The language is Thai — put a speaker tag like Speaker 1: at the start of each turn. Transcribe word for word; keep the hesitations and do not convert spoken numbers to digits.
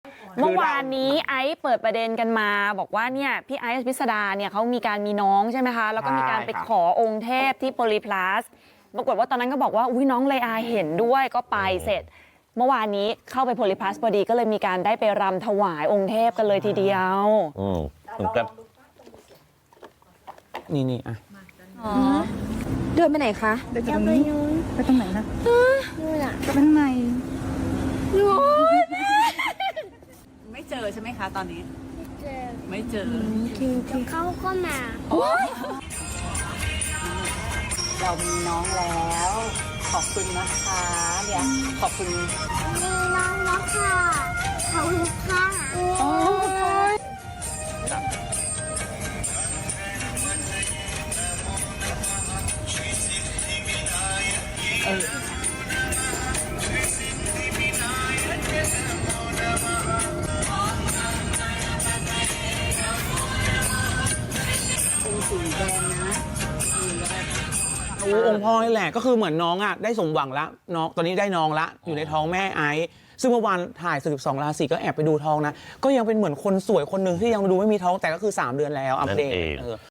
Speaker 1: เมื่อวานนี้ไอซ์เปิดประเด็นกันมาบอกว่าเนี่ยพี่ไอซ์พิสดาเนี่ยเขามีการมีน้องใช่ไหมคะแล้วก็มีการไปขอองค์เทพที่โพลีพลัสปรากฏว่าตอนนั้นก็บอกว่าอุ้ยน้องเลอาเห็นด้วยก็ไปเสร็จเมื่อวานนี้เข้าไปโพลีพลัสพอดีก็เลยมีการได้ไปรำถวายองค์เทพกันเลยทีเดียว
Speaker 2: อืมครับ
Speaker 3: นี่นี่อ่ะ
Speaker 4: เดินไปไหนคะ
Speaker 5: เดินไปตรงนี้ไปตรงไหนนะนู่นอ่ะไปข้างในไม่เจอใช่ไหมคะตอนนี้ไม่เจอ
Speaker 6: เขาก็มา
Speaker 5: เรามีน้องแล้วขอบคุณนะคะเนี่ยขอบคุณ
Speaker 6: มีน้องแล้วค่ะขอบคุณค่ะ
Speaker 5: เออสีแดงนะ
Speaker 3: โอ้องค์พ่อนี่แหละก็คือเหมือนน้องอ่ะได้สมหวังละน้องตอนนี้ได้น้องละอยู่ในท้องแม่ไอซ์ซึ่งเมื่อวานถ่ายสิบสองราศีก็แอบไปดูท้องนะก็ยังเป็นเหมือนคนสวยคนหนึ่งที่ยังดูไม่มีท้องแต่ก็คือสามเดือนแล้วอัปเดต